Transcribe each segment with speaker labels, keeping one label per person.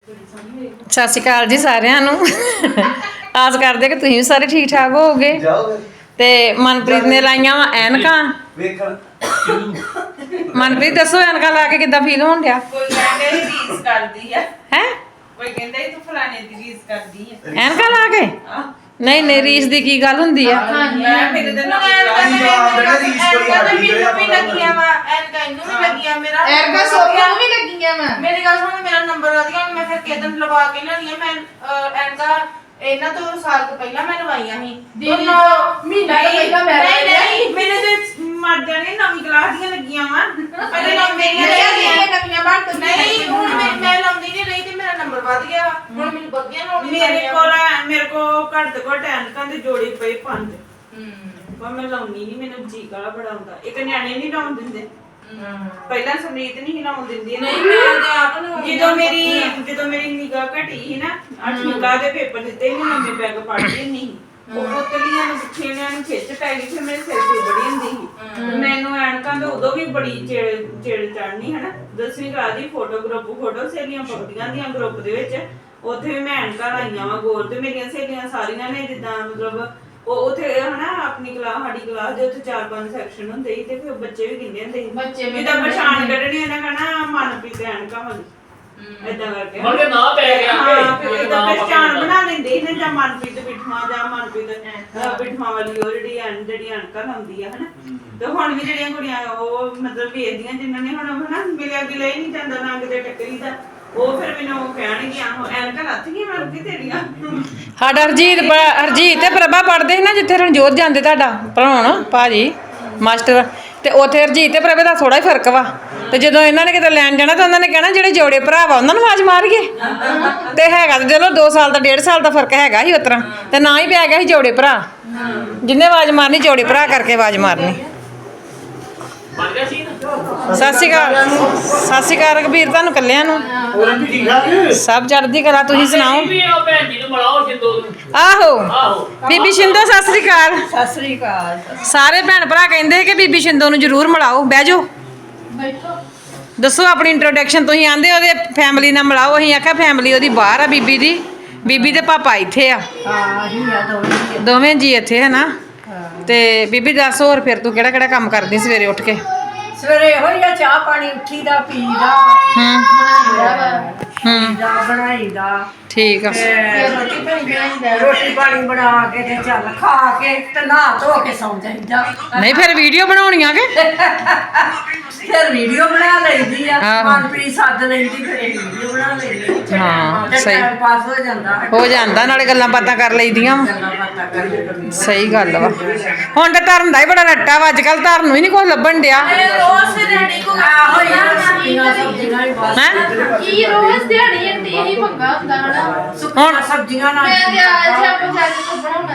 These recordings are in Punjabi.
Speaker 1: ਸਤਿ ਸ਼੍ਰੀ ਅਕਾਲ ਜੀ ਸਾਰਿਆਂ ਨੂੰ। ਆਸ ਕਰਦੇ ਕਿ ਤੁਸੀਂ ਵੀ ਸਾਰੇ ਠੀਕ ਠਾਕ ਹੋਵੋਗੇ। ਤੇ ਮਨਪ੍ਰੀਤ ਨੇ ਲਾਈਆਂ ਵਾ ਐਨਕਾਂ ਵੇਖਣ। ਮਨਪ੍ਰੀਤ ਦੱਸੋ ਐਨਕਾਂ ਲਾ ਕੇ ਕਿੱਦਾਂ ਫੀਲ ਹੋਣ ਡਿਆ?
Speaker 2: ਕੋਈ ਕਹਿੰਦੇ ਰੀਸ ਕਰਦੀ ਆ
Speaker 1: ਹੈ,
Speaker 2: ਕੋਈ ਕਹਿੰਦਾ ਤੂੰ ਫਲਾਣੇ ਦੀ ਰੀਸ ਕਰਦੀ ਆ
Speaker 1: ਐਨਕਾਂ ਲਾ ਕੇ? ਨਹੀਂ ਨਹੀਂ, ਰੀਸ ਦੀ ਕੀ ਗੱਲ ਹੁੰਦੀ ਆ?
Speaker 2: ਮੈਂ ਮੇਰੇ ਦੇ ਨਾਲ ਲੱਗੀਆਂ ਵਾ ਐਨਕਾਂ ਇਹਨੂੰ ਵੀ ਲੱਗੀਆਂ ਮੇਰਾ
Speaker 3: ਐਨਕਾਂ ਸੋਫੀਆ ਨੂੰ ਵੀ ਲੱਗੀਆਂ ਵਾ।
Speaker 2: ਮੇਰੀ ਗੱਲ ਸੁਣ, ਮੇਰਾ ਨੰਬਰ ਆ ਗਿਆ ਮੈਂ ਫਿਰ ਕਿਦਨ ਲਵਾ ਕੇ ਲਿਆਉਣੀ ਆ। ਮੈਂ ਐਨਕਾਂ ਇਹਨਾਂ ਤੋਂ ਸਾਲ ਤੋਂ ਪਹਿਲਾਂ ਮੈਂ ਲਵਾਈਆਂ ਸੀ।
Speaker 3: ਮਹੀਨਾ ਪਹਿਲਾਂ ਮੈਂ
Speaker 2: ਨਹੀਂ ਮੇਰੇ ਤੇ ਮਰ ਜਾਣੇ ਨਵੀਂ ਕਲਾਸ ਦੀਆਂ ਲੱਗੀਆਂ ਵਾ। ਪਹਿਲੇ ਨਾ ਮੇਰੀਆਂ
Speaker 3: ਨਵੀਆਂ ਬਣ ਤੋਂ
Speaker 2: ਨਹੀਂ, ਹੁਣ ਮੈਂ ਲਾਉਂਦੀ ਨਹੀਂ ਰਹੀ ਤੇ ਮੇਰਾ ਨੰਬਰ ਵੱਧ ਗਿਆ ਵਾ। ਹੁਣ ਮੈਨੂੰ ਬੱਗੀਆਂ ਲਾਉਣੀਆਂ ਮੇਰੇ ਕੋਲ ਘੱਟ ਤੋਂ ਘੱਟ ਐਨਕਾਂ ਦੇ ਜੋੜੇ ਪਏ 5। ਪਰ ਮੈਂ ਲਾਉਣੀ ਨਹੀਂ, ਮੈਨੂੰ ਜੀ ਕਾਲਾ ਬੜਾ ਹੁੰਦਾ। ਇੱਕ ਨਿਆਣੇ ਨਹੀਂ ਲਾਉਣ ਦਿੰਦੇ। ਪਹਿਲਾਂ ਸਮਰੀਤ ਨਹੀਂ ਲਾਉਣ ਦਿੰਦੀ।
Speaker 3: ਨਹੀਂ ਮੈਂ ਆਪ ਨੂੰ
Speaker 2: ਜਦੋਂ ਮੇਰੀ ਨਿਗਾਹ ਘਟੀ ਸੀ ਨਾ, 8ਵੀਂ ਕਲਾਸ ਦੇ ਪੇਪਰ ਦਿੱਤੇ ਸੀ, ਨਵੇਂ ਬੈਗ ਪੜ੍ਹਦੀ ਨਹੀਂ। ਉਹ ਪੁੱਤਲੀਆਂ ਨੂੰ ਛੇੜਿਆਂ ਨੂੰ ਖਿੱਚ ਪੈ ਗਈ, ਫਿਰ ਮੇਰੇ ਸਿਰ ਤੇ ਬੜੀ ਹੁੰਦੀ ਸੀ। ਮੈਨੂੰ ਐਨਕਾਂ ਤਾਂ ਉਦੋਂ ਵੀ ਬੜੀ ਚਿੜ ਚੜਨੀ ਹਨਾ। 10ਵੀਂ ਕਲਾਸ ਦੀ ਫੋਟੋ ਸਹੇਲੀਆਂ ਪਕੜੀਆਂ ਦੀਆਂ ਗਰੁੱਪ ਦੇ ਵਿੱਚ, ਉੱਥੇ ਵੀ ਮੈਂ ਐਨਕਾਂ ਲਾਈਆਂ ਵਾ ਗੋਰ। ਤੇ ਮੇਰੀਆਂ ਸਹੇਲੀਆਂ ਸਾਰੀਆਂ ਨੇ ਜਿੱਦਾਂ ਮਤਲਬ ਉਹ ਉੱਥੇ ਹਨਾ ਆਪਣੀ ਕਲਾਸ, ਸਾਡੀ ਕਲਾਸ ਦੇ ਉੱਥੇ 4-5 ਸੈਕਸ਼ਨ ਹੁੰਦੇ ਸੀ ਤੇ ਫਿਰ ਬੱਚੇ ਵੀ ਗਿਣਦੇ ਹੁੰਦੇ ਸੀ। ਜਿੱਦਾਂ ਪਛਾਣ ਕੱਢਣੀ ਉਹਨਾਂ ਕਹਿਣਾ ਮਨਪ੍ਰੀਤ ਐਨਕਾਂ ਵਾਲੀ, ਏਦਾਂ ਕਰਕੇ
Speaker 4: ਮਤਲਬ ਨਾ ਪੈ ਗਿਆ
Speaker 2: ਫਿਰ ਇਦਾਂ ਪਛਾਣ ਬਣਾ ਲੈਂਦੇ ਨੇ, ਜਾਂ ਮਨਪ੍ਰੀਤ ਬਿਠਵਾ ਜਾਂ ਮਨਪ੍ਰੀਤ ਬਿਠਵਾ ਵਾਲੀ ਉਹ ਜਿਹੜੀ ਐਨਕਾਂ ਲਾਉਂਦੀ ਆ ਹਨਾ। ਤੇ ਹੁਣ ਵੀ ਜਿਹੜੀਆਂ ਕੁੜੀਆਂ ਉਹ ਮਤਲਬ ਵੇਖਦੀਆਂ ਜਿਨ੍ਹਾਂ ਨੇ ਹੁਣ ਹਨਾ ਮਿਲਿਆ ਗਿਲਿਆ ਹੀ ਨਹੀਂ ਜਾਂਦਾ ਨਾ ਕਿਤੇ ਟੱਕਰੀ ਦਾ, ਉਹ ਫਿਰ ਮੈਨੂੰ ਕਹਿਣਗੀਆਂ ਐਨਕਾਂ ਲੱਥ ਗਈਆਂ ਮਨਪ੍ਰੀਤ ਤੇਰੀਆਂ।
Speaker 1: ਸਾਡਾ ਹਰਜੀਤ ਤੇ ਪ੍ਰਭਾ ਪੜ੍ਹਦੇ ਸੀ ਨਾ ਜਿੱਥੇ ਰਣਜੋਤ ਜਾਂਦੇ ਤੁਹਾਡਾ ਪੜਾਉਣ ਭਾਜੀ ਮਾਸਟਰ, ਤੇ ਉੱਥੇ ਹਰਜੀਤ ਤੇ ਪ੍ਰਭਾ ਦਾ ਥੋੜਾ ਹੀ ਫਰਕ ਵਾ। ਤੇ ਜਦੋਂ ਇਹਨਾਂ ਨੇ ਕਿਤੇ ਲੈਣ ਜਾਣਾ ਤਾਂ ਉਹਨਾਂ ਨੇ ਕਹਿਣਾ ਜਿਹੜੇ ਜੋੜੇ ਭਰਾ ਵਾ ਉਹਨਾਂ ਨੂੰ ਆਵਾਜ਼ ਮਾਰੀਏ। ਤੇ ਹੈਗਾ ਤੇ ਚਲੋ 2 ਸਾਲ ਦਾ 1.5 ਸਾਲ ਦਾ ਫਰਕ ਹੈਗਾ ਸੀ ਉਤਰਾ, ਤੇ ਨਾ ਹੀ ਪੈ ਗਿਆ ਸੀ ਜੋੜੇ ਭਰਾ। ਜਿੰਨੇ ਆਵਾਜ਼ ਮਾਰਨੀ ਜੋੜੇ ਭਰਾ ਕਰਕੇ ਆਵਾਜ਼ ਮਾਰਨੀ। ਸਤਿ ਸ਼੍ਰੀ ਅਕਾਲ ਰਘਬੀਰ, ਤੁਹਾਨੂੰ ਕੱਲਿਆਂ ਨੂੰ ਸਭ ਚੜ੍ਹਦੀ ਕਲਾ। ਤੁਸੀਂ ਸੁਣਾਓ? ਆਹੋ ਬੀਬੀ ਸ਼ਿੰਦੋ ਸਤਿ ਸ਼੍ਰੀ ਅਕਾਲ।
Speaker 3: ਸਤਿ ਸ੍ਰੀ ਅਕਾਲ।
Speaker 1: ਸਾਰੇ ਭੈਣ ਭਰਾ ਕਹਿੰਦੇ ਕਿ ਬੀਬੀ ਸ਼ਿੰਦੋ ਨੂੰ ਜ਼ਰੂਰ ਮਿਲਾਓ। ਬਹਿ ਜਾਓ, ਦੱਸੋ ਆਪਣੀ ਇੰਟਰੋਡਕਸ਼ਨ। ਤੁਸੀਂ ਆਂਦੇ ਉਹਦੇ ਫੈਮਿਲੀ ਨਾਲ ਮਿਲਾਓ, ਅਸੀਂ ਆਖਿਆ ਫੈਮਿਲੀ ਉਹਦੀ ਬਾਹਰ ਆ ਬੀਬੀ ਦੀ, ਬੀਬੀ ਦੇ ਪਾਪਾ ਇੱਥੇ ਆ, ਦੋਵੇਂ ਜੀ ਇੱਥੇ ਹੈ ਨਾ। ਤੇ ਬੀਬੀ ਦੱਸ ਹੋਰ ਫਿਰ ਤੂੰ ਕਿਹੜਾ ਕੰਮ ਕਰਦੀ ਸਵੇਰੇ ਉੱਠ ਕੇ?
Speaker 3: ਸਵੇਰੇ ਇਹੋ ਹੀ ਆ, ਚਾਹ ਪਾਣੀ ਉੱਠੀਦਾ ਪੀਦਾ ਬਣਾਈਦਾ।
Speaker 1: ਠੀਕ ਆ।
Speaker 3: ਰੋਟੀ ਪਾਣੀ ਬਣਾ ਕੇ ਤੇ ਚੱਲ ਖਾ ਕੇ ਤੇ ਨਹਾ ਧੋ ਕੇ ਸੌਂ ਜਾਈਦਾ।
Speaker 1: ਨਹੀਂ ਫਿਰ ਵੀਡੀਓ ਬਣਾਉਣੀਆਂ ਕਿ
Speaker 3: ਫਿਰ ਵੀਡੀਓ ਬਣਾ ਲਈਦੀ ਆ,
Speaker 1: ਆਹੋ।
Speaker 3: ਮਨਪ੍ਰੀਤ ਸੱਦ ਲੈਂਦੀ ਫਿਰ ਵੀਡੀਓ ਬਣਾ ਲੈਂਦੀ।
Speaker 1: ਹਾਂ, ਸਹੀ
Speaker 3: ਟਾਈਮ ਪਾਸ
Speaker 1: ਹੋ ਜਾਂਦਾ, ਨਾਲੇ ਗੱਲਾਂ ਬਾਤਾਂ ਕਰ ਲਈਦੀਆਂ ਵਾ।
Speaker 3: ਗੱਲਾਂ ਬਾਤਾਂ ਕਰੀ।
Speaker 1: ਸਹੀ ਗੱਲ ਵਾ। ਹੁਣ ਤਾਂ ਧਰਨ ਦਾ ਹੀ ਬੜਾ ਰੱਟਾ ਵਾ, ਅੱਜ ਕੱਲ ਧਰਨ ਨੂੰ ਹੀ ਨਹੀਂ ਕੁਝ ਲੱਭਣ ਡਿਆ।
Speaker 3: ਰੋਜ਼ ਦਿਹਾੜੀ ਕੋ ਆਹੋ ਯਾਰ ਸਬਜ਼ੀਆਂ ਹੀ ਬਸ।
Speaker 1: ਹੈਂ?
Speaker 5: ਕੀ ਰੋਜ਼ ਦਿਹਾੜੀ ਹੰਦੀ ਹੀ ਪੰਗਾ ਹੁੰਦਾ ਹਨਾ।
Speaker 3: ਸੁੱਕੀਆਂ ਸਬਜ਼ੀਆਂ ਨਾਲ
Speaker 5: ਮੈਂ ਤੇ ਅੱਜ ਆਪਾਂ ਚੱਲ ਕੋ ਬਣਾਉਣਾ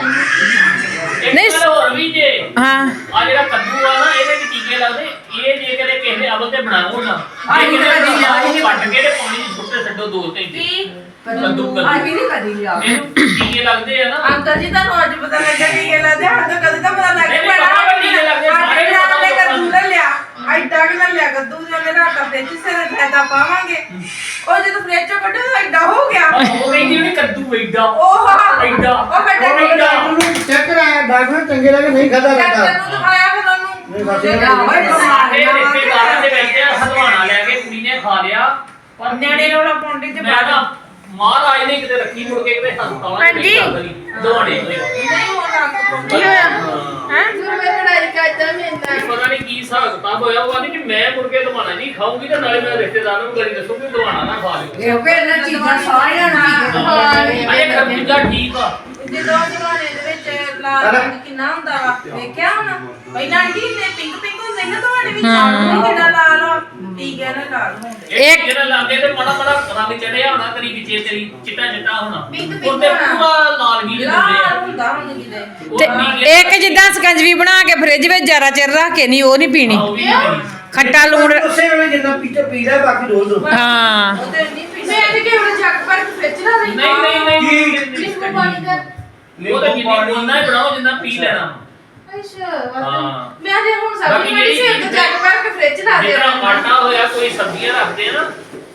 Speaker 5: ਹੀ
Speaker 1: ਨਹੀਂ।
Speaker 4: ਹੋਰ ਵੀ ਜੇ
Speaker 1: ਹਾਂ,
Speaker 4: ਆ ਜਿਹੜਾ ਕੱਦੂ ਆ ਨਾ ਇਹਦੇ ਵਿੱਚ ਟੀਕੇ ਲੱਗਦੇ। ਇਹ ਜੇ ਕਦੇ ਕਿਸੇ ਨੇ ਅਵਲ ਤੇ ਬਣਾਓ ਨਾ, ਇਹ ਕਿਤੇ ਕੱਟ ਕੇ ਤੇ ਪਾਣੀ ਚ ਸੁੱਟੇ ਛੱਡੋ 2 ਘੰਟੇ। ਕੱਦੂ
Speaker 3: ਨਹੀਂ ਕਦੀ ਲਿਆ।
Speaker 4: ਇਹਨੂੰ ਟੀਕੇ ਲੱਗਦੇ ਆ ਨਾ।
Speaker 2: ਅੰਕਲ ਜੀ ਤੁਹਾਨੂੰ ਅੱਜ ਪਤਾ ਲੱਗਾ ਟੀਕੇ ਲੱਗਦੇ, ਹਰ ਤੋਂ ਕਦੇ ਤਾਂ ਪਤਾ ਲੱਗ
Speaker 4: ਨਹੀਂ,
Speaker 2: ਪੈਣਾ।
Speaker 4: ਪਤਾ ਵੀ ਟੀਕੇ ਲੱਗਦੇ, ਸਾਰੇ ਨੂੰ ਪਤਾ
Speaker 2: ਨੇ
Speaker 4: ਲੱਗਾ।
Speaker 2: ਕੱਦੂ ਲੈ ਲਿਆ, ਐਡਾ ਕਿ ਲੈ ਲਿਆ ਕੱਦੂ, ਜਿਹਨੇ ਰਾਤਾ ਫ੍ਰਿਜ ਸਿਰ ਫਾਇਦਾ ਪਾਵਾਂਗੇ। ਉਹ ਜਦੋਂ ਫ੍ਰਿਜ ਚੋਂ ਕੱਢਿਆ ਤਾਂ ਐਡਾ ਹੋ ਗਿਆ।
Speaker 4: ਉਹ ਕਹਿੰਦੀ ਉਹਨੇ ਕੱਦੂ ਐਡਾ
Speaker 2: ਉਹ
Speaker 4: ਐਡਾ
Speaker 2: ਉਹ ਕੱਢਿਆ
Speaker 6: ਚੈੱਕ ਕਰਾਇਆ ਡਾਕਟਰ ਚੰਗੇ ਲੱਗੇ ਨਹੀਂ ਖਾਦਾ
Speaker 2: ਡਾਕਟਰ
Speaker 6: ਕਰਦਾ
Speaker 2: ਨੂੰ ਦਿਖਾਇਆ ਫਿਰ ਉਹਨੂੰ।
Speaker 4: ਸਾਡੇ ਰਿਸ਼ਤੇਦਾਰਾਂ ਦੇ ਵਿੱਚ ਹਲਵਾਣਾ ਲੈ ਕੇ ਕੁੜੀ ਨੇ ਖਾ ਲਿਆ, ਪਰ
Speaker 2: ਨਿਆਣੇ ਰੋਲਾ ਪੌਂਡੇ ਚ
Speaker 4: ਮੈਂ ਨਾ ਮਹਾਰਾਜ ਨੇ ਕਿਤੇ ਰੱਖੀ ਮੁੜ ਕੇ ਕਿਤੇ ਹਸਪਤਾਲਾਂ ਚ ਦਵਾਣੇ ਹੋਏ।
Speaker 2: ਨਹੀਂ ਹੋਣਾ।
Speaker 5: ਕੀ ਹੋਇਆ ਹੈ? ਫਿਰ ਮੈਂ ਲੜਾਈ ਕਰਦਾ ਮੈਂਦਾ
Speaker 4: ਪਤਾ ਨਹੀਂ ਕੀ ਹਿਸਾਬ ਕਿਤਾਬ ਹੋਇਆ। ਉਹ ਕਹਿੰਦੀ ਕਿ ਮੈਂ ਮੁੜ ਕੇ ਦਵਾਣਾ ਨਹੀਂ ਖਾਊਂਗੀ ਤੇ ਨਾਲੇ ਮੈਂ ਰਿਸ਼ਤੇਦਾਰਾਂ ਨੂੰ ਗਲੀ ਦੱਸੂਗੀ ਦਵਾਣਾ ਨਾ ਖਾ ਲਿਓ।
Speaker 3: ਇਹ ਇਹਨਾਂ ਚੀਜ਼ਾਂ ਸਾਰੀਆਂ ਨੂੰ
Speaker 4: ਅਰੇ ਖਰਬੂਜਾ ਠੀਕ ਆ।
Speaker 2: ਜਦੋਂ ਜਵਾਨੇ ਦੇ ਵਿੱਚ ਲਾਲ ਰੰਗ ਕਿੰਨਾ ਹੁੰਦਾ ਵਾ, ਵੇਖਿਆ ਹੁਣ? ਪਹਿਲਾਂ ਆਂਟੀ ਨੇ ਪਿੰਕ ਹੁੰਦੇ ਨਾ ਤੁਹਾਡੇ ਵਿੱਚ, ਹੁਣ ਕਿੰਨਾ ਲਾਲ ਆ, ਟੀਕੇ ਨਾਲ ਲਾਲ ਹੁੰਦੇ।
Speaker 4: ਇੱਕ ਜਿਹੜਾ ਲਾਗੇ ਤੇ ਮਾੜਾ ਰੰਗ ਚੜਿਆ ਹੋਣਾ, ਤੇਰੀ ਵਿੱਚੇ ਤੇਰੀ ਚਿੱਟਾ ਹੋਣਾ।
Speaker 2: ਪਿੰਕ
Speaker 4: ਉਹਦੇ
Speaker 2: ਹੋਣਾ।
Speaker 4: ਪੂਰਾ ਲਾਲ ਵੀ
Speaker 2: ਲਾਲ
Speaker 4: ਹੁੰਦੇ ਆ।
Speaker 2: ਹੁੰਦਾ ਹੁਣ ਕਿਤੇ।
Speaker 1: ਤੇ ਇੱਕ ਜਿੱਦਾਂ ਸਕੰਜਵੀ ਬਣਾ ਕੇ ਫ੍ਰਿਜ ਵਿੱਚ ਜ਼ਿਆਦਾ ਚਿਰ ਰੱਖ ਕੇ ਨਹੀਂ, ਉਹ ਨਹੀਂ ਪੀਣੀ।
Speaker 4: ਉਹ ਵੀ ਨਹੀਂ।
Speaker 1: ਖੱਟਾ ਲੂਣ।
Speaker 6: ਉਸੇ ਵੇਲੇ ਜਿੰਨਾ ਪੀਤੇ ਪੀਦਾ ਬਾਕੀ ਡੋਲ ਦੋ।
Speaker 1: ਹਾਂ,
Speaker 2: ਉਹਦੇ ਨਹੀਂ ਪੀਂਦੇ।
Speaker 5: ਮੈਂ ਤੇ ਕਿਹੜਾ ਜੱਗ ਭਰ ਕੇ ਫ੍ਰਿਜ ਲਾ ਰਹੀ
Speaker 4: ਨਹੀਂ
Speaker 5: ਨਿੰਬੂ ਪਾਣੀ ਦਾ।
Speaker 4: ਉਹ ਤਾਂ ਜਿੰਨੀ ਬੋਲਣਾ ਹੀ ਬਣਾਓ ਜਿੰਨਾ ਪੀ ਲੈਣਾ।
Speaker 5: ਅੱਛਾ
Speaker 4: ਹਾਂ।
Speaker 5: ਮੈਂ ਤੇ ਹੁਣ ਸਭ
Speaker 4: ਬਾਕੀ
Speaker 5: ਮੇਰੀ ਸਿਰ ਤੇ ਜੱਗ ਭਰ ਕੇ ਫ੍ਰਿਜ ਲਾ ਦੇ
Speaker 4: ਜਿਹੜਾ ਆਟਾ ਹੋਇਆ ਕੋਈ ਸਬਜ਼ੀਆਂ ਰੱਖਦੇ ਆ ਨਾ,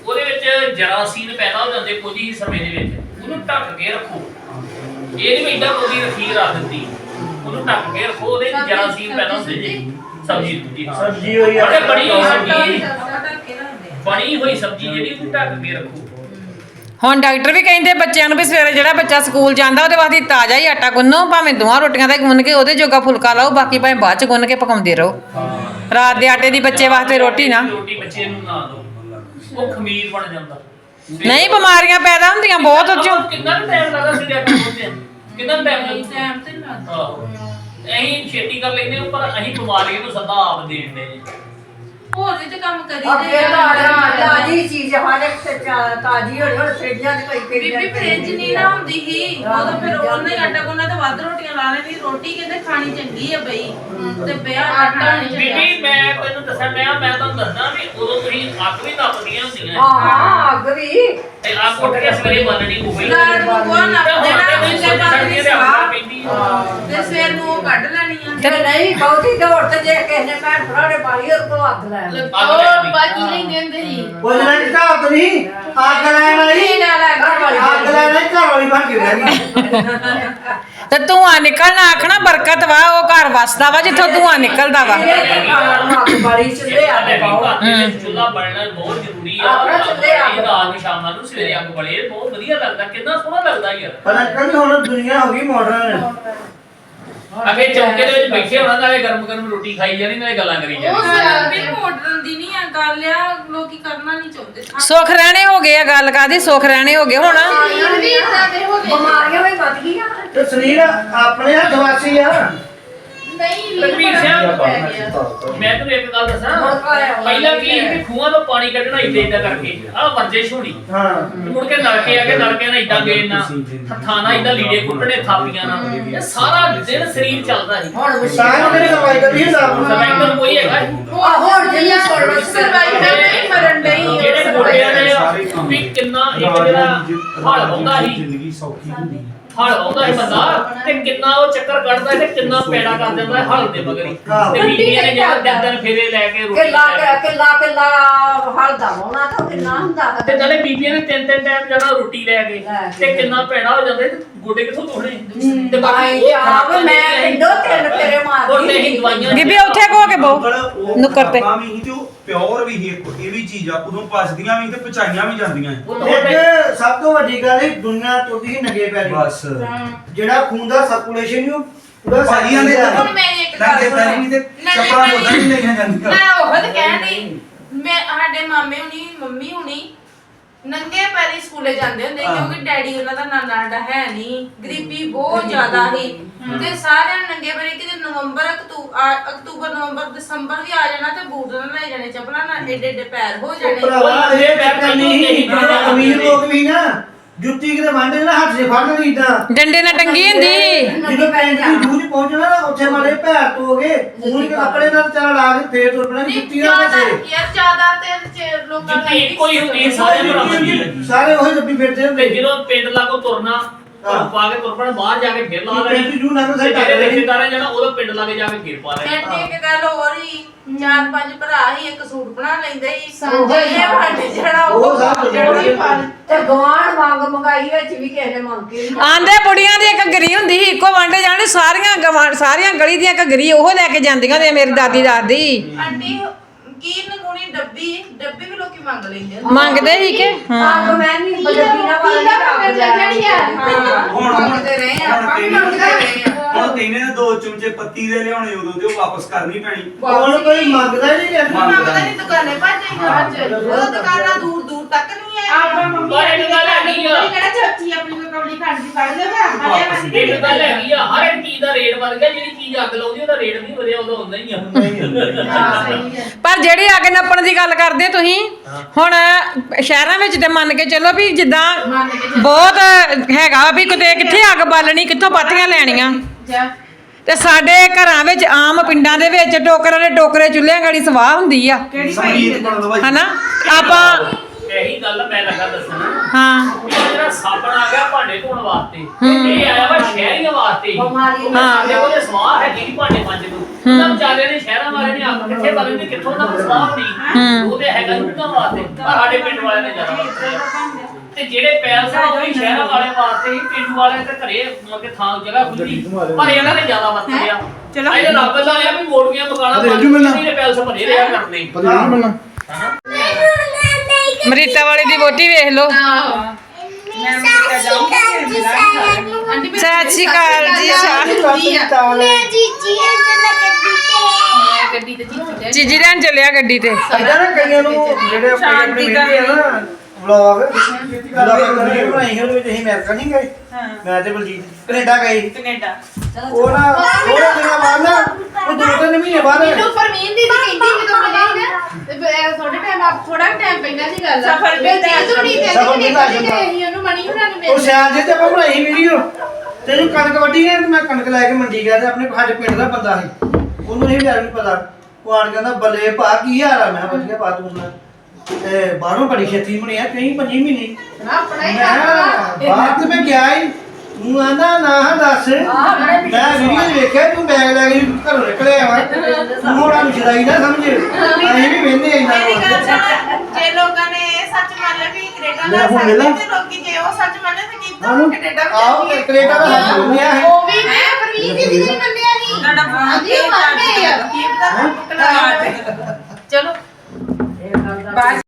Speaker 4: ਉਹਦੇ ਵਿੱਚ ਜਰਾਸੀਨ ਪੈਦਾ ਹੋ ਜਾਂਦੇ ਕੁਝ ਹੀ ਸਮੇਂ ਦੇ ਵਿੱਚ, ਉਹਨੂੰ ਢੱਕ ਕੇ ਰੱਖੋ। ਇਹ ਨਹੀਂ ਵੀ ਏਦਾਂ ਕੋਈ ਰੱਖੀ ਰੱਖ ਦਿੱਤੀ, ਉਹਨੂੰ ਢੱਕ ਕੇ ਰੱਖੋ, ਉਹਦੇ ਵਿੱਚ ਜਰਾਸੀਨ ਪੈਦਾ ਹੁੰਦੇ ਜੀ। ਸਬਜ਼ੀ
Speaker 6: ਸਬਜ਼ੀ ਹੋਈ ਆ।
Speaker 4: ਬੜੇ ਬਣੀ ਹੋਈ ਸਬਜ਼ੀ,
Speaker 2: ਢੱਕ ਕੇ ਰੱਖਦੇ ਆ।
Speaker 4: ਬਣੀ ਹੋਈ ਸਬਜ਼ੀ ਜਿਹੜੀ ਉਹਨੂੰ ਢੱਕ ਕੇ ਰੱਖੋ।
Speaker 1: ਹੁਣ ਡਾਕਟਰ ਵੀ ਕਹਿੰਦੇ ਬੱਚਿਆਂ ਨੂੰ ਵੀ ਸਵੇਰੇ ਜਿਹੜਾ ਬੱਚਾ ਸਕੂਲ ਜਾਂਦਾ ਉਹਦੇ ਵਾਸਤੇ ਤਾਜ਼ਾ ਹੀ ਆਟਾ ਗੁੰਨੋ, ਭਾਵੇਂ ਦੋਹਾਂ ਰੋਟੀਆਂ ਦਾ ਹੀ ਗੁੰਨ ਕੇ ਉਹਦੇ ਜੋਗਾ ਫੁਲਕਾ ਲਾਓ, ਬਾਕੀ ਭਾਵੇਂ ਬਾਅਦ ਚ ਗੁੰਨ ਕੇ ਪਕਾਉਂਦੇ ਰਹੋ। ਰਾਤ ਦੇ ਆਟੇ ਦੀ ਬੱਚੇ ਵਾਸਤੇ ਰੋਟੀ ਨਾ,
Speaker 4: ਰੋਟੀ ਬੱਚੇ ਨੂੰ ਨਾ ਦਿਓ, ਉਹ ਖਮੀਰ ਬਣ ਜਾਂਦਾ।
Speaker 1: ਨਹੀਂ ਬਿਮਾਰੀਆਂ ਪੈਦਾ ਹੁੰਦੀਆਂ ਬਹੁਤ ਉਹ ਚੋਂ।
Speaker 4: ਕਿੰਨਾ ਟਾਈਮ ਲੱਗਦਾ ਸੀ ਡਾਕਟਰ ਕੋਲ? ਕਿੰਨਾ ਟਾਈਮ ਲੱਗਦਾ?
Speaker 2: ਟਾਈਮ ਤੇ ਨੀ ਲੱਗਦਾ।
Speaker 4: ਅਸੀਂ ਛੇਤੀ ਕਰ ਲੈਂਦੇ ਹਾਂ, ਪਰ ਅਸੀਂ ਬਿਮਾਰੀਆਂ ਨੂੰ ਸਦਾ ਆਪ ਦੇਣ ਦੇ ਜੀ।
Speaker 2: ਹੋਰ ਵੀ ਤੇ ਕੰਮ ਕਰੀ
Speaker 3: ਅੱਗੇ ਤਾਜ਼ੀ ਚੀਜ਼ ਹਰ ਇੱਕ ਤੇ ਤਾਜ਼ੀ ਹੋਣੀ, ਹੁਣ ਫਰਿੱਜਾਂ 'ਚ ਕੋਈ
Speaker 2: ਬੀਬੀ ਫ੍ਰਿਜ ਨਹੀਂ ਨਾ ਹੁੰਦੀ ਸੀ ਉਦੋਂ, ਫਿਰ ਉਹਨੇ ਆਟਾ ਗੁੰਨਾ ਤੇ ਵੱਧ ਰੋਟੀਆਂ ਲਾ ਲੈਣੀ। ਰੋਟੀ ਕਹਿੰਦੇ ਖਾਣੀ ਚੰਗੀ ਆ ਬਈ, ਤੇ ਬਿਆ ਆਟਾ ਨਹੀਂ ਚੰਗਾ।
Speaker 4: ਬੀਬੀ ਮੈਂ ਤੈਨੂੰ ਦੱਸਾਂ, ਮੈਂ ਤੁਹਾਨੂੰ ਦੱਸਦਾ ਵੀ ਉਦੋਂ ਤੁਸੀਂ ਅੱਗ ਵੀ ਨੱਪਦੀਆਂ ਹੁੰਦੀਆਂ।
Speaker 3: ਹਾਂ ਅੱਗ ਵੀ
Speaker 4: ਤੇ ਅੱਗ ਉੱਠ ਕੇ ਸਵੇਰੇ ਬੰਨਣੀ ਹੋਵੇ
Speaker 2: ਰਾਤ ਨੂੰ ਗੋਹਾ ਨੱਪ ਦੇਣਾ, ਉਸੇ ਪਾਣੀ ਦੀ ਸਵਾਹ
Speaker 4: ਪੈਂਦੀ
Speaker 2: ਤੇ ਸਵੇਰ ਨੂੰ ਉਹ ਕੱਢ ਲੈਣੀ ਆ।
Speaker 3: ਤੇ ਨਹੀਂ ਬਹੁਤੀ ਦੌੜ ਤੇ ਜੇ ਕਿਸੇ ਨੇ ਭੈਣ ਭਰਾ ਨੇ ਪਾਈ ਉਹ ਕੋਲ ਅੱਗ ਲੈ ਆਉਣੀ।
Speaker 5: ਉਹ ਬਾਕੀ ਲੈਂਦੇ ਹੁੰਦੇ ਸੀ।
Speaker 6: ਬੋਲਣਾ ਨਹੀਂ ਕਹਾਵਤ ਨਹੀਂ, ਅੱਗ ਲੈਣ ਵਾਲੀ
Speaker 2: ਇਹ ਨਾਲ ਅੱਗ ਵਾਲੀ
Speaker 6: ਅੱਗ ਲੈਣ ਵਾਲੀ ਘਰ ਵਾਲੀ ਬਣ ਕੇ ਰਹਿ ਗਈ।
Speaker 1: ਤੇ ਧੂੰਆਂ ਨਿਕਲਣਾ ਆਖਣਾ ਬਰਕਤ ਵਾ, ਉਹ ਘਰ ਵਸਦਾ ਵਾ ਜਿੱਥੋਂ ਧੂੰਆਂ ਨਿਕਲਦਾ ਵਾ।
Speaker 3: ਅੱਗ ਬੜੀ ਚੁੱਲ੍ਹੇ ਅੱਗ ਪਾਓ।
Speaker 4: ਚੁੱਲ੍ਹਾ ਬਲਣਾ ਬਹੁਤ ਜ਼ਰੂਰੀ ਆ।
Speaker 3: ਆਪਣਾ ਚੁੱਲ੍ਹੇ ਅੱਗ
Speaker 4: ਰਾਤ ਨੂੰ ਸ਼ਾਮਾਂ ਨੂੰ ਸਵੇਰੇ ਅੱਗ ਬਲੇ ਬਹੁਤ ਵਧੀਆ ਲੱਗਦਾ, ਕਿੰਨਾ ਸੋਹਣਾ ਲੱਗਦਾ ਯਾਰ।
Speaker 6: ਪਰ ਅੰਕਲ ਹੁਣ ਦੁਨੀਆ ਹੋ ਗਈ ਮਾਡਰਨ।
Speaker 4: ਅੱਗੇ ਚੌਂਕੇ ਦੇ ਵਿੱਚ ਬੈਠੇ ਹੋਣਾ, ਨਾਲੇ ਗਰਮ ਗਰਮ ਰੋਟੀ ਖਾਈ ਜਾਣੀ, ਨਾਲੇ ਗੱਲਾਂ ਕਰੀ
Speaker 2: ਉਹ
Speaker 4: ਜਾਣੀ।
Speaker 2: ਵੀ ਮਾਡਰਨ ਦੀ ਨਹੀਂ ਆ ਗੱਲ, ਆ ਲੋਕੀ ਕਰਨਾ ਨਹੀਂ ਚਾਹੁੰਦੇ।
Speaker 1: ਸੁੱਖ ਰਹਿਣੇ ਹੋ ਗਏ ਆ, ਗੱਲ ਕਾਦੀ ਸੁੱਖ ਰਹਿਣੇ ਹੋ ਗਏ ਹੁਣ।
Speaker 5: ਸਰੀਰ ਵੀ ਇਦਾਂ ਦੇ ਹੋ ਗਏ।
Speaker 3: ਬਿਮਾਰੀਆਂ ਵੀ ਵੱਧ ਗਈਆਂ।
Speaker 6: ਤੇ ਸਰੀਰ ਆਪਣੇ ਹੱਥ ਵਾਸੀ ਆ।
Speaker 5: ਨਹੀਂ
Speaker 4: ਰਣਵੀਰ ਸਿੰਘ, ਮੈਂ ਤੈਨੂੰ ਇੱਕ ਗੱਲ ਦੱਸਾਂ, ਪਹਿਲਾਂ ਕੀ ਸੀ ਕਿ ਖੂਹਾਂ ਤੋਂ ਪਾਣੀ ਕੱਢਣਾ ਏਦਾਂ ਕਰਕੇ, ਆਹ ਵਰਜਿਸ਼ ਹੋਣੀ।
Speaker 6: ਹਾਂ
Speaker 4: ਮੁੜ ਕੇ ਨਲਕੇ ਆ ਕੇ ਨਲਕਿਆਂ ਨਾਲ ਏਦਾਂ ਗੇੜਨਾ, ਹੱਥਾਂ ਨਾਲ ਏਦਾਂ ਲੀੜੇ ਕੁੱਟਣੇ, ਥਾਪੀਆਂ ਨਾਲ, ਇਹ ਸਾਰਾ ਦਿਨ ਸਰੀਰ ਚੱਲਦਾ ਸੀ।
Speaker 3: ਹੁਣ
Speaker 6: ਸਾਹ ਕਿਹੜੀ ਦਵਾਈ ਕਰੀ ਹਿਸਾਬ ਨਾਲ।
Speaker 4: ਸਰਵਾਈਕਲ ਕੋਈ ਹੈਗਾ?
Speaker 3: ਹੁਣ ਜਿਹੜੀ
Speaker 2: ਸਰਵਾਈਕਲ ਨਹੀਂ ਮਰਨ ਨਹੀਂ।
Speaker 4: ਜਿਹੜੇ ਗੋਡਿਆਂ ਦੇ ਵੀ ਕਿੰਨਾ ਇੱਕ ਜਿਹੜਾ ਹਲ ਹੁੰਦਾ ਸੀ,
Speaker 7: ਜ਼ਿੰਦਗੀ ਸੌਖੀ ਹੁੰਦੀ ਹੈ।
Speaker 4: ਹਲ ਆਉਂਦਾ ਹੈ ਬੰਦਾ ਤੇ ਕਿੰਨਾ ਉਹ ਚੱਕਰ ਕੱਢਦਾ ਤੇ ਕਿੰਨਾ ਪੈੜਾ ਕਰ ਦਿੰਦਾ ਹਲ ਦੇ ਮਗਰੀ। ਤੇ ਬੀਬੀਆਂ ਨੇ ਜਿਹੜਾ ਦਿਨ ਦਿਨ ਫੇਰੇ ਲੈ ਕੇ ਰੋਟੀ
Speaker 3: ਕਿੱਲਾ ਹਲਦਾ ਹੋਣਾ ਤਾਂ ਕਿੰਨਾ ਹੁੰਦਾ
Speaker 4: ਤੇ ਨਾਲੇ ਬੀਬੀਆਂ ਨੇ ਤਿੰਨ ਤਿੰਨ ਟਾਈਮ ਜਿਹੜਾ ਰੋਟੀ ਲੈ ਕੇ ਤੇ ਕਿੰਨਾ ਪੈੜਾ ਹੋ ਜਾਂਦਾ ਤੇ ਗੋਡੇ ਕਿੱਥੋਂ ਤੋੜਨੇ। ਤੇ ਬਾਕੀ ਉਹ ਖਰਾਬ
Speaker 3: ਮੈਂ ਪਿੰਡੋਂ ਤਿੰਨ ਫੇਰੇ
Speaker 4: ਉਹ
Speaker 3: ਮਾਰਦੀ
Speaker 4: ਨਹੀਂ ਦਵਾਈਆਂ
Speaker 1: ਬੀਬੀ ਉੱਥੇ ਕੋ ਕੇ ਬਹੁ ਨੁੱਕਰ ਤੇ।
Speaker 7: ਵੀ ਤੇ ਉਹ ਪਿਓਰ ਵੀ ਹੀ ਇਹ ਵੀ ਚੀਜ਼ ਆ, ਉਦੋਂ ਪਚਦੀਆਂ ਵੀ ਤੇ ਪਚਾਈਆਂ ਵੀ ਜਾਂਦੀਆਂ।
Speaker 6: ਇੱਕ ਸਭ ਤੋਂ ਵੱਡੀ ਗੱਲ ਹੈ ਦੁਨੀਆ ਤੁਰਦੀ ਹੀ ਨੰਗੇ ਪੈਰੀ।
Speaker 7: ਬਸ
Speaker 6: ਜਿਹੜਾ ਖੂਨ ਦਾ ਸਰਕੂਲੇਸ਼ਨ ਨੂੰ ਪੂਰਾ
Speaker 7: ਭਾਜੀਆਂ ਦੇ
Speaker 2: ਹੁਣ ਮੇਰੀ ਇੱਕ ਗੱਲ
Speaker 7: ਨੰਗੇ ਪੈਰੀ ਵੀ ਤੇ ਚੱਪਲਾਂ ਉਦਾਂ ਹੀ ਲਈਆਂ ਜਾਂਦੀਆਂ।
Speaker 2: ਮੈਂ ਉਹ ਤਾਂ ਕਹਿੰਦੀ, ਮੈਂ ਸਾਡੇ ਮਾਮੇ ਹੁਣੀ ਮੰਮੀ ਹੁਣੀ ਨੰਗੇ ਪੈਰੀ ਸਕੂਲੇ ਜਾਂਦੇ ਹੁੰਦੇ ਕਿਉਂਕਿ ਡੈਡੀ ਉਹਨਾਂ ਦਾ ਨਾਨਾ ਸਾਡਾ ਹੈ ਨਹੀਂ, ਗਰੀਬੀ ਬਹੁਤ ਜ਼ਿਆਦਾ ਸੀ ਤੇ ਸਾਰਿਆਂ ਨੂੰ ਨੰਗੇ ਪੈਰੀ ਕਿਤੇ ਅਕਤੂਬਰ ਨਵੰਬਰ ਦਸੰਬਰ ਵੀ ਆ ਜਾਣਾ ਤੇ ਬੂਟ ਨਾਲ ਲੈ ਜਾਣੇ, ਚੱਪਲਾਂ ਨਾਲ ਏਡੇ ਏਡੇ ਪੈਰ ਹੋ ਜਾਣੇ।
Speaker 6: ਭਰਾਵਾ ਇਹ ਪੈਰ ਨਹੀਂ ਅਮੀਰ ਲੋਕ ਵੀ ਨਾ ਜੁੱਤੀ ਕਿਤੇ ਵੰਡੇ ਨਾ ਹੱਥ 'ਚ ਫੜ ਲੈਣੀ ਇਦਾਂ
Speaker 1: ਡੰਡੇ ਨਾਲ ਟੰਗੀ ਹੁੰਦੀ।
Speaker 6: ਜਦੋਂ ਪੈਂਟ ਦੀ ਦੂਜ ਪਹੁੰਚਣਾ ਨਾ ਉੱਥੇ ਮਾਰੇ ਪੈਰ ਧੋ ਕੇ ਮੂੰਹ ਕੇ ਕੱਪੜੇ ਨਾਲ ਚੱਲ ਲਾ ਕੇ ਫੇਰ ਤੁਰ ਪੈਣਾ ਜੁੱਤੀ ਨਾਲ ਕਿੱਥੇ।
Speaker 2: ਯਾਰ ਜ਼ਿਆਦਾ ਤੇ ਲੋਕਾਂ ਦਾ
Speaker 4: ਜੁੱਤੀ ਇੱਕੋ ਹੀ ਹੁੰਦੀ ਸਾਰੇ ਬਰਾਬਰ ਦੀ।
Speaker 6: ਸਾਰੇ ਉਹੀ ਜੱਬੀ ਫਿਰਦੇ
Speaker 4: ਤੇ
Speaker 6: ਹੁੰਦੇ
Speaker 4: ਜਦੋਂ ਪਿੰਡ ਲਾਗੋਂ ਤੁਰਨਾ ਪਾ ਕੇ ਤੁਰ ਪੈਣਾ, ਬਾਹਰ ਜਾ ਕੇ ਫੇਰ ਲਾ ਲੈਣੀ।
Speaker 6: ਪੈਂਟ ਜੂ ਨਾਲ
Speaker 4: ਤੇ
Speaker 6: ਸਹੀ
Speaker 4: ਜਿਹੜੇ ਰਿਸ਼ਤੇਦਾਰਾਂ ਜਾਣਾ ਉਹਦਾ ਪਿੰਡ ਲਾਗੇ ਜਾ ਕੇ ਫੇਰ ਪਾ ਲੈਣਾ।
Speaker 2: ਤੇ ਇੱਕ ਗੱਲ ਹੋਰ ਹੀ, 4-5 ਭਰਾ ਹੀ ਇੱਕ ਸੂਟ ਬਣਾ ਲੈਂਦੇ ਸੀ।
Speaker 5: ਸਾਂਝਾ ਹੀ
Speaker 2: ਇਹ ਵੰਡ ਜਿਹੜਾ
Speaker 6: ਉਹ ਸਭ ਤੋਂ
Speaker 2: ਜਿਹੜਾ ਹੀ ਪਾ
Speaker 3: ਤੇ ਗਵਾਂਢ ਮੰਗ ਮੰਗਾਈ ਵਿੱਚ ਵੀ ਕਿਸੇ ਨੇ ਮੰਗ ਕੇ
Speaker 1: ਆਂਦੇ ਬੁੜੀਆਂ ਦੀ ਘੱਗਰੀ ਹੁੰਦੀ ਸੀ ਇੱਕੋ ਵਾਂਡੇ ਜਾਣੇ, ਸਾਰੀਆਂ ਗਲੀ ਦੀਆਂ ਘੱਗਰੀ ਉਹ ਲੈ ਕੇ ਜਾਂਦੀਆਂ ਹੁੰਦੀਆਂ ਮੇਰੀ ਦਾਦੀ ਦਾਦੀ।
Speaker 2: ਆਂਟੀ ਕੀ ਨਗੂਣੀ ਡੱਬੀ ਵੀ ਲੋਕੀ ਮੰਗ ਲੈਂਦੇ ਆ।
Speaker 1: ਮੰਗਦੇ ਸੀ ਕਿ
Speaker 3: ਅੱਗ ਮੈਂ ਨਹੀਂ ਬਜਬੀਨਾ ਵਾਲਾ
Speaker 5: ਜਿਹੜੀ ਆ
Speaker 7: ਹੁਣ
Speaker 2: ਮੰਗਦੇ ਰਹੇ ਆ, ਆਪਾਂ ਵੀ ਮੰਗਦੇ ਰਹੇ ਆ।
Speaker 7: ਹੁਣ ਕਹਿੰਦੇ ਨੇ 2 ਚਮਚੇ ਪੱਤੀ ਦੇ ਲਿਆਉਣੇ, ਉਦੋਂ ਤੇ ਉਹ ਵਾਪਸ ਕਰਨੀ ਪੈਣੀ।
Speaker 6: ਹੁਣ ਕੋਈ ਮੰਗਦਾ ਹੀ ਨਹੀਂ
Speaker 2: ਮੰਗਦਾ ਨਹੀਂ, ਦੁਕਾਨੇ ਭੱਜ ਜਾਈਆਂ ਅੱਜ। ਉਹ ਦੁਕਾਨਾਂ ਦੂਰ ਦੂਰ ਤੱਕ ਨਹੀਂ ਹੈ।
Speaker 5: ਆਪਾਂ ਮੰਮੀ
Speaker 4: ਪਰ ਇੱਕ ਗੱਲ ਹੈਗੀ ਆ,
Speaker 5: ਕਿਹੜਾ ਚਾਚੀ ਆਪਣੀ ਕੋਈ ਕੌਲੀ ਖੰਡ ਦੀ ਫੜ ਦੇਵੇ
Speaker 4: ਇੱਕ ਗੱਲ ਹੈਗੀ ਆ, ਹਰ ਇੱਕ ਚੀਜ਼ ਦਾ ਰੇਟ ਵਧ ਗਿਆ। ਜਿਹੜੀ ਚੀਜ਼ ਅੱਗ ਲਾਉਂਦੀ ਉਹਦਾ ਰੇਟ ਨਹੀਂ ਵਧਿਆ, ਉਹਦਾ ਹੁੰਦਾ ਹੀ ਆ।
Speaker 1: ਪਰ ਜਿਹੜੀ ਅੱਗ ਨੱਪਣ ਦੀ ਗੱਲ ਕਰਦੇ ਤੁਸੀਂ, ਹੁਣ ਸ਼ਹਿਰਾਂ ਵਿੱਚ ਤੇ ਮੰਨ ਕੇ ਚੱਲੋ ਵੀ ਜਿੱਦਾਂ ਬਹੁਤ ਹੈਗਾ ਵੀ ਕਿਤੇ ਕਿੱਥੇ ਅੱਗ ਬਾਲਣੀ, ਕਿੱਥੋਂ ਪਾਥੀਆਂ ਲੈਣੀਆਂ। ਤੇ ਸਾਡੇ ਘਰਾਂ ਵਿੱਚ ਆਮ ਪਿੰਡਾਂ ਦੇ ਵਿੱਚ ਟੋਕਰਾਂ ਦੇ ਟੋਕਰੇ ਚੁੱਲ੍ਹਿਆਂ ਗਾੜੀ ਸਵਾਹ ਹੁੰਦੀ ਆ
Speaker 7: ਸੰਗੀਤ ਬਣਾ ਦੋ ਭਾਈ।
Speaker 1: ਹਨਾ। ਆਪਾਂ
Speaker 4: ਇਹੀ ਗੱਲ ਮੈਂ ਲੱਗਾ ਦੱਸਣ,
Speaker 1: ਹਾਂ
Speaker 4: ਇਹ ਜਿਹੜਾ ਸਾਬਣ ਆ ਗਿਆ ਭਾਂਡੇ ਧੋਣ ਵਾਸਤੇ, ਇਹ ਆਇਆ ਵਾ ਸ਼ਹਿਰੀਆਂ ਵਾਸਤੇ।
Speaker 3: ਬਿਮਾਰੀ
Speaker 1: ਹਾਂ।
Speaker 4: ਸਾਡੇ ਕੋਲ ਸਵਾਹ ਹੈਗੀ ਨੀ ਭਾਂਡੇ ਮਾਂਜਣ ਨੂੰ। ਉਹਨਾਂ ਵਿਚਾਰਿਆਂ ਨੇ ਸ਼ਹਿਰਾਂ ਵਾਲੇ ਨੇ ਆਪ ਕਿੱਥੇ ਵਾਲੇ ਨੇ ਕਿੱਥੋਂ ਦਾ ਸਲਾਹ ਨਹੀਂ ਉਹ ਤੇ ਹੈਗਾ ਉਹਨਾਂ ਵਾਸਤੇ ਪਰ ਸਾਡੇ ਪਿੰਡ ਵਾਲਿਆਂ ਨੇ ਜ਼ਿਆਦਾ ਤੇ ਜਿਹੜੇ ਪੈਲਸ ਆ ਉਹ ਵੀ ਸ਼ਹਿਰਾਂ ਵਾਲੇ ਵਾਸਤੇ ਹੀ ਪਿੰਡ ਵਾਲਿਆਂ ਦੇ ਘਰੇ ਮਤਲਬ ਕਿ ਥਾਂ ਜਗ੍ਹਾ ਖੁੱਲੀ ਪਰ ਇਹਨਾਂ ਨੇ ਜ਼ਿਆਦਾ ਵਰਤਿਆ
Speaker 2: ਚਲੋ।
Speaker 4: ਇਹ ਰੱਬ ਦਾ ਆ ਵੀ ਮੋੜੀਆਂ ਮਕਾਨਾਂ ਨੇ ਪੈਲਸ ਭਰੇ ਰਿਹਾ ਕਰਨੇ
Speaker 6: ਪਤਾ ਨਹੀਂ ਮਿਲਣਾ
Speaker 1: ਮਰੀਤਾ ਵਾਲੀ ਦੀ ਵੋਟੀ ਵੇਖ ਲਓ
Speaker 2: ਮੈਂ ਅਮਰੀਕਾ ਜਾਊਂਗੀ ਫਿਰ ਮਿਲਾਂਗੇ
Speaker 1: ਸਤਿ ਸ਼੍ਰੀ ਅਕਾਲ ਜੀ
Speaker 5: ਗੱਡੀ ਤੇ ਜੀ
Speaker 1: ਚੀਜੀ ਲੈਣ ਚੱਲਿਆ ਗੱਡੀ ਤੇ
Speaker 6: ਇਦਾਂ ਨਾ ਕਈਆਂ ਨੂੰ ਜਿਹੜੇ ਆਪਣੇ ਮਿਲਦੇ ਆ ਨਾ ਵਲੌਗ ਬਣਾਈ ਸੀ ਉਹਦੇ ਵਿੱਚ ਅਸੀਂ ਅਮਰੀਕਾ ਨਹੀਂ ਗਏ ਮੈਂ ਤੇ ਬਲਜੀਤ ਕੈਨੇਡਾ ਗਏ
Speaker 2: ਕੈਨੇਡਾ
Speaker 6: ਉਹ ਨਾ ਥੋੜੇ ਦਿਨਾਂ ਬਾਅਦ ਨਾ ਉਹ 2-3 ਮਹੀਨੇ ਬਾਅਦ
Speaker 5: ਮੈਨੂੰ ਪਰਮੀਨ ਦੀ ਕਹਿੰਦੀ ਜਦੋਂ ਮਿਲੇ ਸੀ ਨਾ ਤੇ ਥੋੜੇ ਟਾਈਮ ਆਪ ਥੋੜਾ ਟਾਈਮ ਪਹਿਲਾਂ ਦੀ ਗੱਲ ਆ
Speaker 2: ਸਫ਼ਰ ਵੀ
Speaker 6: ਸਫ਼ਰ ਵੀ ਲੱਗ ਜਾਂਦਾ।
Speaker 5: ਅਸੀਂ ਉਹਨੂੰ ਮਣੀ ਉਹਨਾਂ ਨੂੰ
Speaker 6: ਉਹ ਸਿਆਲ ਜੇ ਤੇ ਆਪਾਂ ਬਣਾਈ ਵੀਡੀਓ ਤੇ ਜੋ ਕਣਕ ਵੱਢੀ ਹੈ ਤੇ ਮੈਂ ਕਣਕ ਲੈ ਕੇ ਮੰਡੀ ਗਿਆ ਤੇ ਆਪਣੇ ਸਾਡੇ ਪਿੰਡ ਦਾ ਬੰਦਾ ਸੀ ਉਹਨੂੰ ਨਹੀਂ ਡਰ ਨਹੀਂ ਪਤਾ ਉਹ ਆਣ ਕਹਿੰਦਾ ਬੱਲੇ ਭਾ ਕੀ ਹਾਲ ਆ ਮੈਂ ਕਿਹਾ ਵਧੀਆ ਪਾ ਤੂੰ ਸੁਣਾ ਤੇ ਬਾਹਰੋਂ ਬੜੀ ਛੇਤੀ ਬਣਿਆ ਕਈ 5 ਮਹੀਨੇ
Speaker 5: ਆਪਣਾ ਹੀ
Speaker 6: ਮੈਂ ਬਾਹਰ ਤੇ ਮੈਂ ਗਿਆ ਹੀ ਤੂੰ ਆਂਦਾ ਨਾ ਦੱਸ ਮੈਂ ਵੀਡੀਓ ਵੇਖਿਆ ਤੂੰ ਬੈਗ ਲੈ ਕੇ ਘਰੋਂ ਨਿਕਲਿਆ ਵਾ ਤੂੰ ਹੋਣਾ ਨੂੰ ਛਦਾਈ ਨਾ ਸਮਝ ਅਸੀਂ ਵੀ ਵੇਂਦੇ ਇੰਨਾ
Speaker 2: ਮੇਰੀ ਗੱਲ ਸੁਣ, ਜੇ ਲੋਕਾਂ ਨੇ ਇਹ ਸੱਚ ਮੰਨ ਲਿਆ ਵੀ ਕੈਨੇਡਾ
Speaker 6: ਲੈ
Speaker 2: ਦਾ
Speaker 6: ਹੁਣ
Speaker 2: ਸਕਦੇ
Speaker 6: ਮਿਲਾਂ।
Speaker 2: ਤੇ ਲੋਕੀ ਜੇ ਉਹ ਸੱਚ ਮੰਨੇ ਤੇ ਕੀਤਾ
Speaker 6: ਆਹੋ
Speaker 2: ਕੈਨੇਡਾ ਵੀ
Speaker 6: ਆਓ
Speaker 2: ਚੱਲੀਏ।
Speaker 6: ਕੈਨੇਡਾ ਦਾ ਹੱਥ ਦੁਨੀਆ ਹੈ
Speaker 5: ਉਹ ਵੀ ਮੈਂ ਪਰਮੀਨ ਦੀ ਵੀ ਨਹੀਂ ਮੰਨਿਆ ਸੀ
Speaker 2: ਤੁਹਾਡਾ ਫੋਨ
Speaker 5: ਹਾਂਜੀ,
Speaker 2: ਤੇ
Speaker 5: ਉਹ ਮੰਨ ਗਏ ਆ।
Speaker 2: ਕੀ ਪਤਾ ਚਲੋ